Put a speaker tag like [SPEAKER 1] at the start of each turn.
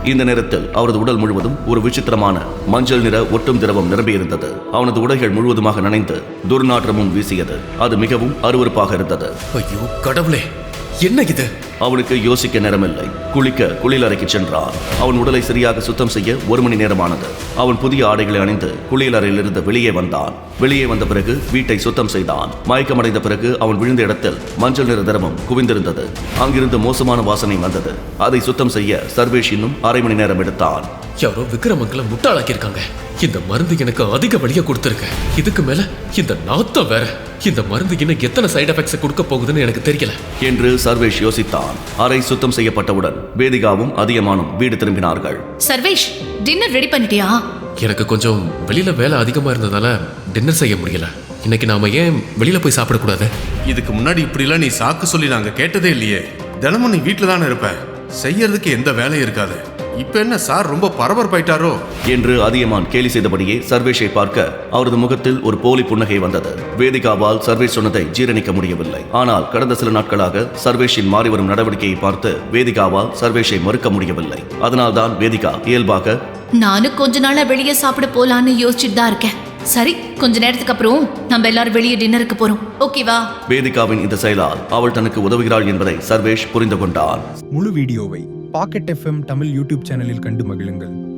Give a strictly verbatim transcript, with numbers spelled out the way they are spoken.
[SPEAKER 1] இந்த நேரத்தில் அவரது உடல் முழுவதும் ஒரு விசித்திரமான மஞ்சள் நிற ஒட்டும் திரவம் நிரம்பியிருந்தது. அவனது உடைகள் முழுவதுமாக நனைந்து துர்நாற்றமும் வீசியது. அது மிகவும் அருவருப்பாக இருந்தது.
[SPEAKER 2] ஐயோ கடவுளே, என்ன இது?
[SPEAKER 1] அவனுக்கு யோசிக்க நேரமில்லை. குளிக்க குளியலறைக்கு சென்றான். அவன் உடலை சரியாக சுத்தம் செய்ய ஒரு மணி நேரமானது. அவன் புதிய ஆடைகளை அணிந்து குளியலறையிலிருந்து வெளியே வந்தான். வெளியே வந்த பிறகு வீட்டை சுத்தம் செய்தான். மயக்கமடைந்த பிறகு அவன் விழுந்த இடத்தில் மஞ்சள் நிற திரவம் குவிந்திருந்தது. அங்கிருந்து மோசமான வாசனை வந்தது. அதை சுத்தம் செய்ய சர்வேஷ் இன்னும் அரை மணி நேரம் எடுத்தான்.
[SPEAKER 2] யாரோ விக்ரமங்களை முட்டாளாக்கி இருக்காங்க. இந்த மருந்து எனக்கு அதிக வலியை கொடுத்திருக்க. இதுக்கு மேல இந்த நாத்தம் வேற. இந்த மருந்து இன்னும் எத்தனை சைடு எஃபெக்ட்ஸ் கொடுக்க போகுதுன்னு எனக்கு தெரியல
[SPEAKER 1] என்று சர்வேஷ் யோசித்தான். அறை சுத்தம் செய்யப்பட்டவுடன் வேதிகாவும் அதியமானும் வீடு திரும்பினார்கள்.
[SPEAKER 3] சர்வேஷ், டின்னர் ரெடி பண்ணிட்டியா?
[SPEAKER 2] எனக்கு கொஞ்சம் வெளியில வேலை அதிகமா இருந்ததால டின்னர் செய்ய முடியல. இன்னைக்கு நாம ஏன் வெளியில போய் சாப்பிடக்கூடாது?
[SPEAKER 4] இதுக்கு முன்னாடி இப்படிலாம் நீ சாக்கு சொல்லி நாங்க கேட்டதே இல்லையே. தினமும் நீ வீட்டில் தானே இருப்ப, செய்யறதுக்கு எந்த வேலையும் இருக்காது. இப்ப என்ன சார் ரொம்ப பரபரப்பாயிட்டாரோ
[SPEAKER 1] என்று அதியமான் கேலி செய்தபடியே சர்வேஷை பார்க்க அவரது முகத்தில் ஒரு போலி புன்னகை வந்தது. வேதிகாவால் சர்வேஷ் சொன்னதை ஜீரணிக்க முடியவில்லை. ஆனால் கடந்த சில நாட்களாக சர்வேஷின் மாறி வரும் நடவடிக்கையை பார்த்து வேதிகாவால் சர்வேஷை மறுக்க முடியவில்லை. அதனால்தான் வேதிகா இயல்பாக,
[SPEAKER 3] நானும் கொஞ்ச நாளா வெளியே சாப்பிட போலான்னு யோசிச்சுட்டு தான் இருக்கேன். சரி, கொஞ்ச நேரத்துக்கு அப்புறம் நம்ம எல்லாரும் வெளியே டின்னருக்கு போறோம், ஓகேவா?
[SPEAKER 1] வேதிகாவின் இந்த செயலால் அவள் தனக்கு உதவுகிறாள் என்பதை சர்வேஷ் புரிந்து கொண்டான்.
[SPEAKER 5] முழு வீடியோவை பாக்கெட் எஃப்எம் தமிழ் யூடியூப் சேனலில் கண்டு மகிழுங்கள்.